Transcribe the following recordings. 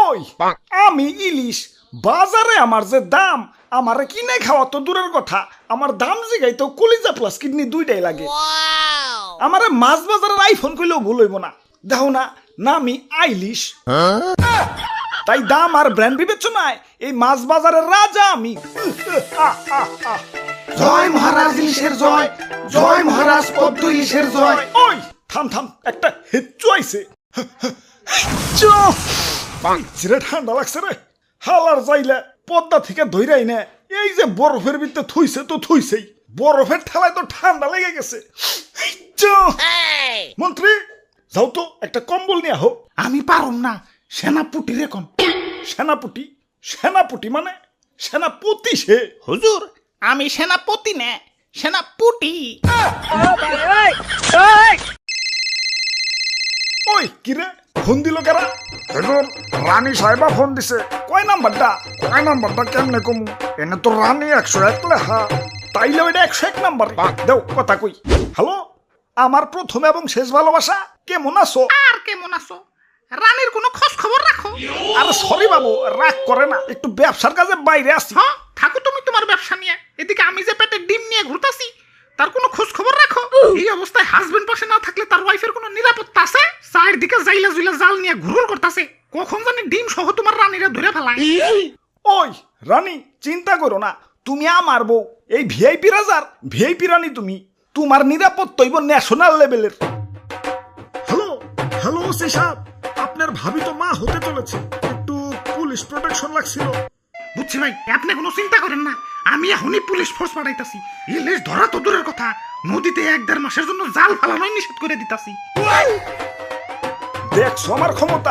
ওই আমি ইলিশ বাজারে আমার যে দাম আমার কিনে খাওয়া তো দূরের কথা আমার দাম জিগাই তো কলিজা প্লাস কিডনি দুইটাই লাগে আমার মাছ বাজারের আইফোন কইলেও ভুল হইব না দেখো না নামি আইলিশ তাই দাম আর ব্র্যান্ড বিবেচনায় এই মাছ বাজারের রাজা আমি জয় মহারাজ ইলিশের জয়, জয় মহারাজ পদ্ম ইলিশের জয়। ওই থাম থাম একটা হেচ্চু আইছে চিরে ঠান্ডা লাগছে রে হালার যাইলে পদ্মা থেকে ধইরাই না এই যে বরফের ভিতরে থুইছে তো থুইছেই বরফের ঠেলায় তো ঠান্ডা লেগে গেছে মন্ত্রী যাও তো একটা কম্বল নিয়ে আহো আমি পারুম না, সেনাপুটি রে কোন। সেনাপতি সেনাপতি মানে সেনাপতি সে হুজুর আমি সেনাপতি না, সেনাপুটি। ওই কিরে ফোন দিল কারা হুজুর রানী সাহেবা ফোন দিছে কয় নাম্বারটা কেমনে কমু এনে তো রানী 101 লেখা তাইলে ওইটা 101 নাম্বার দেও কথা কই হ্যালো আমার প্রথম এবং শেষ ভালোবাসা কেমন আছো আর কেমন আছো? রানীর কোনো খোঁজ খবর রাখো? আরে সরি বাবু রাগ করে না একটু ব্যবসার কাজে বাইরে আসি হ্যাঁ থাকো তুমি তোমার ব্যবসা নিয়ে, এদিকে আমি যে পেটে ডিম নিয়ে ঘুরতাছি তার কোনো খোঁজ খবর রাখো? এই অবস্থায় হাজবেন্ড পাশে না থাকলে তার ওয়াইফের কোনো নিরাপত্তা আছে? চারদিকে জাইলা জুইলা জাল নিয়ে ঘুরঘুর করতেছে, কখন জানি ডিম সহ তোমার রানীরা ধরে ফেলায়। ওই রানী চিন্তা করো না তুমি আমার বউ এই ভিআইপি রাজার ভিআইপি রানী তুমি তোমার নিরাপত্তা হইব ন্যাশনাল লেভেলের হ্যালো হ্যালো ওসি সাহেব আপনার ভাবি তো মা হতে চলেছে একটু পুলিশ প্রোটেকশন লাগছিল বুঝছি ভাই, আপনি কোনো চিন্তা করেন না, আমি এখনই পুলিশ ফোর্স পাঠাইতাছি। ইলিশ ধরা তো দূরের কথা, নদীতে 1-1.5 মাসের জন্য জাল ফালানোই নিষেধ করে দিতাছি। দেখছো আমার ক্ষমতা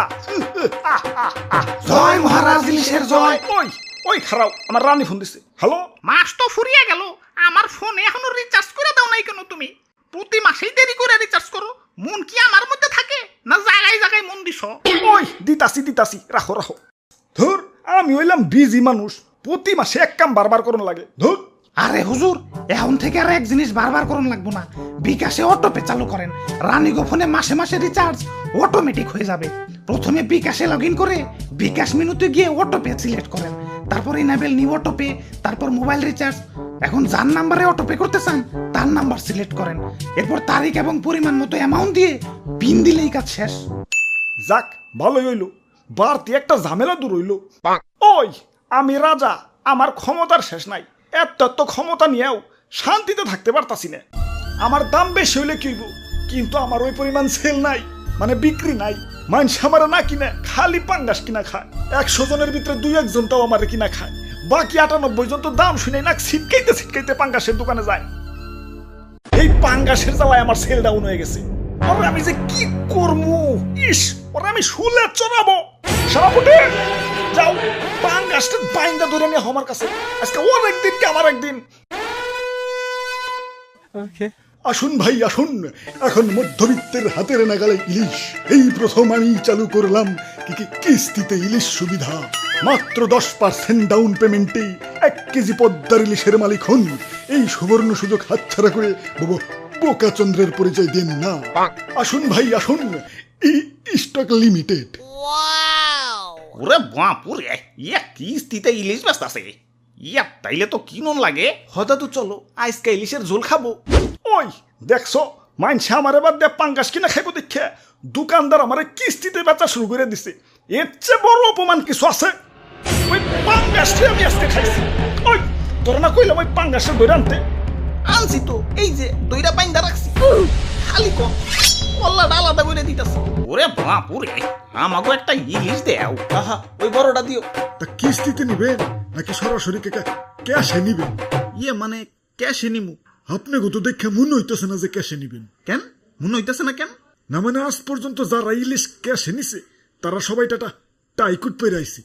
জয় মহারাজ ইলিশের জয়। ওই ওই খারাপ আমার রানী ফোন দিছে হ্যালো মাস তো ফুরিয়ে গেল, আমার ফোনে এখনো রিচার্জ করে দাও নাই কেন তুমি? প্রতি মাসেই দেরি করে রিচার্জ করো, মন কি আমার মধ্যে থাকে না জায়গায় জায়গায় মন দিছো? ওই দিতাছি রাখো ধুর আমি হইলাম বিজি মানুষ প্রতি মাসে এক কাম বারবার করুন লাগে ধুর আরে হুজুর এখন থেকে আর এক জিনিস বারবার করুন লাগবো না, বিকাশে অটোপে চালু করেন। রানীগো ফোনে মাসে মাসে রিচার্জ অটোমেটিক হয়ে যাবে। প্রথমে বিকাশে লগ ইন করে বিকাশ মেনুতে গিয়ে অটোপে সিলেক্ট করেন, তারপর ইনেবল নিউ অটোপে, তারপর মোবাইল রিচার্জ। এখন যার নাম্বারে অটোপে করতে চান তার নাম্বার সিলেক্ট করেন, এরপর তারিখ এবং পরিমাণ মতো অ্যামাউন্ট দিয়ে পিন দিলেই কাজ শেষ। যাক ভালোই হইল বাড়তি একটা ঝামেলা দূর হইল ওই আমি রাজা আমার ক্ষমতার শেষ নাই এত ক্ষমতা নিয়েও শান্তিতে থাকতে পারতাছি না আমার দাম বেশি হইলে কি হইব কিন্তু আমার ওই পরিমাণ সেল নাই মানে বিক্রি নাই মানুষ আমার না কিনে খালি পাঙ্গাস কিনা খায় 100 জনের ভিতরে 2-1 জনটাও আমার কিনা খায় বাকি 98 জন তো দাম শুনে না ছিটকাইতে পাঙ্গাসের দোকানে যায় এই পাঙ্গাসের জ্বালায় আমার সেল ডাউন হয়ে গেছে ওরে আমি যে কি করবো ইস ওরে আমি শুলে চড়াবো সারাপুটে যাও পাঙ্গাসটা বাইন্দা ধরে নিয়ে আমার কাছে আজকে ওর একদিন কি আমার একদিন আসুন ভাই আসুন এখন মধ্যবিত্তের হাতের নাগালে ইলিশ এই প্রথম আমি চালু করলাম কিস্তিতে ইলিশ সুবিধা মাত্র 10% ডাউন পেমেন্টে 1 কেজি পদ্মার ইলিশের মালিক হন এই সুবর্ণ সুযোগ হাতছাড়া করে বোকাচন্দ্রের পরিচয় দেন না আসুন ভাই আসুন স্টক লিমিটেড ওরে বাপুরে ইয়া কিস্তিতে ইলিশ বেচতাছে, ইয়া তাইলে তো কিনন লাগে। হয়তো তো চলো আজকে ইলিশের ঝোল খাবো ওই দেখছো মাইনছে আমার এবার দিয়ে পাঙ্গাস কিনা খাইবো দেখে দোকানদার আমার কিস্তিতে বেচা শুরু করে দিছে এর চেয়ে বড় অপমান কিছু আছে ওই পাঙ্গাসটি আমি আজকে খাইছি ওই তোর না কইলাম ওই পাঙ্গাসের ধরে আনছি তো এই যে দইরা বাইন্দা রাখছি, খালি কম কল্লাটা আলাদা করে দিতেছে। ওরে বাপুরে আমাকে একটা ইলিশ দেও, আহা ওই বড়টা দিও। তা কিস্তিতে নিবেন নাকি সরাসরি ক্যাশে নিবেন? ইয়ে মানে ক্যাশে নিমু। আপনি গত দেখে মনে হইতেছে না যে ক্যাশে নিবেন। কেন মনে হইতেছে না কেন? না মানে আজ পর্যন্ত যারা ইলিশ ক্যাশে নিছে তারা সবাই টাইকুট পেরে আইছে।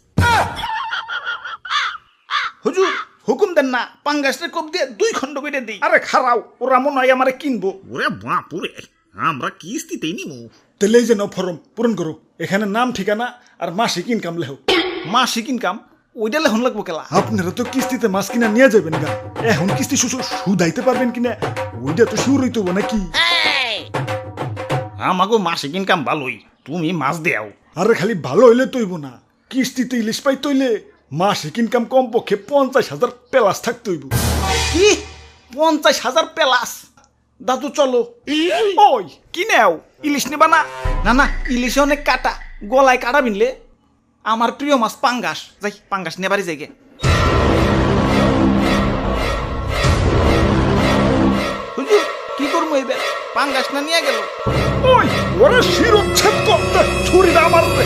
হুজুর হুকুম দেন না পাঙ্গাসের কোপ দিয়ে 2 খণ্ড করে দেই। আরে খারাও ওরা মনে হয় আমারে কিনবো। ওরে বাপুরে আমরা কিস্তিতেই নিমু। তাহলে এই যে নাও ফর্ম পূরণ করো, এখানে নাম ঠিকানা আর মাসিক ইনকাম লেখো। মাসিক ইনকাম ওইটা লেখন লাগবো কেলা? আপনারা তো কিস্তিতে মাছ কিনা নিয়ে যাবেন গা, এখন কিস্তি সুদাইতে পারবেন কিনা ওইটা তো শুরু হইতো নাকি? আমাকে মাসিক ইনকাম ভালোই, তুমি মাছ দেও। আরে খালি ভালো হইলে তৈব না, কিস্তিতে ইলিশ পাই তৈলে মাসিক ইনকাম কমপক্ষে 50,000 প্লাস থাকতে হইব। কি 50,000 প্লাস? দাদু চলো। ওই কি নেও, ইলিশ নেবা না? না না, ইলিশে অনেক কাটা, গলায় কাটা বিনলে। আমার প্রিয় মাছ পাঙ্গাস, যাই পাঙ্গাস নেবারই যাই গে। হুজুর কি করবো এবার, পাঙ্গাস না নিয়ে গেল। ওই ওরা শিরোচ্ছেদ করতে ছুরি না মারবে।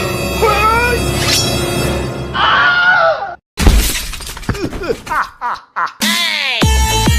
ওই!